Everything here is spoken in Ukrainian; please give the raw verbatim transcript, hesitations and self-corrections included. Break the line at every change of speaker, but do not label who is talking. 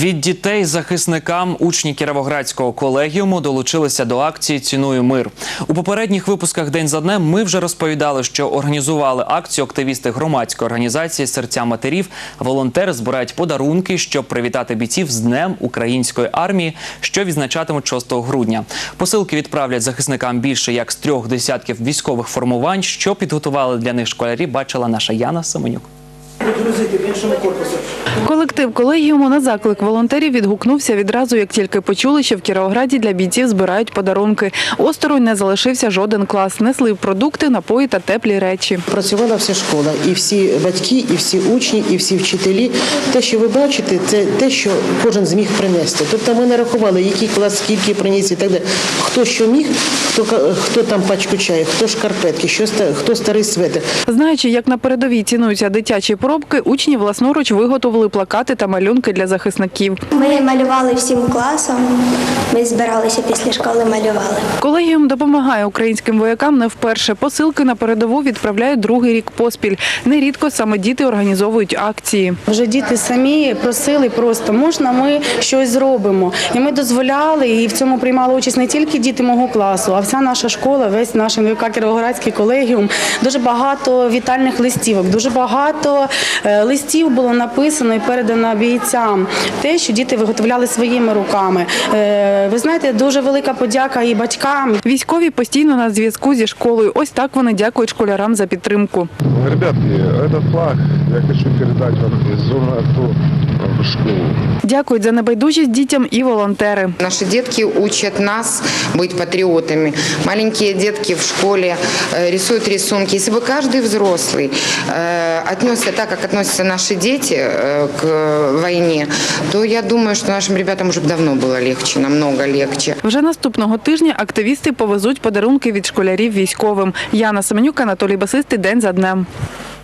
Від дітей захисникам учні Кіровоградського колегіуму долучилися до акції «Ціную мир». У попередніх випусках «День за днем» ми вже розповідали, що організували акцію активісти громадської організації «Серця матерів». Волонтери збирають подарунки, щоб привітати бійців з Днем української армії, що відзначатимуть шостого грудня. Посилки відправлять захисникам більше як з трьох десятків військових формувань. Що підготували для них школярі, бачила наша Яна Семенюк.
Колектив колегіуму на заклик волонтерів відгукнувся відразу, як тільки почули, що в Кіровограді для бійців збирають подарунки. Осторонь не залишився жоден клас. Несли продукти, напої та теплі речі.
Працювала вся школа, і всі батьки, і всі учні, і всі вчителі. Те, що ви бачите, це те, що кожен зміг принести. Тобто ми не рахували, який клас, скільки приніс і так далі. Хто що міг, хто, хто там пачку чаю, хто шкарпетки, що, хто старий светр.
Знаючи, як на передовій цінуються дитячі поробки, учні власноруч виготовили плакати та малюнки для захисників.
Ми малювали всім класом, ми збиралися після школи, малювали.
Колегіум допомагає українським воякам не вперше. Посилки на передову відправляють другий рік поспіль. Нерідко саме діти організовують акції.
Вже діти самі просили просто, можна ми щось зробимо. І ми дозволяли, і в цьому приймали участь не тільки діти мого класу, а вся наша школа, весь наш ен ве ка Кіровоградський колегіум. Дуже багато вітальних листівок, дуже багато листів було написано і передано бійцям. Те, що діти виготовляли своїми руками. Ви знаєте, дуже велика подяка і батькам.
Військові постійно на зв'язку зі школою. Ось так вони дякують школярам за підтримку.
Ребятки, этот флаг я хочу передати вам із зони АТО в школу.
Дякують за небайдужість дітям і волонтери.
Наши детки учат нас быть патриотами. Маленькие детки в школе рисуют рисунки. Если бы каждый взрослый отнесся так, как относятся наши дети к войне, то я думаю, что нашим ребятам уже давно было легче, намного легче.
Вже наступного тижня активісти повезуть подарунки від школярів військовим. Яна Семенюк, Анатолій Басистий, «День за днем».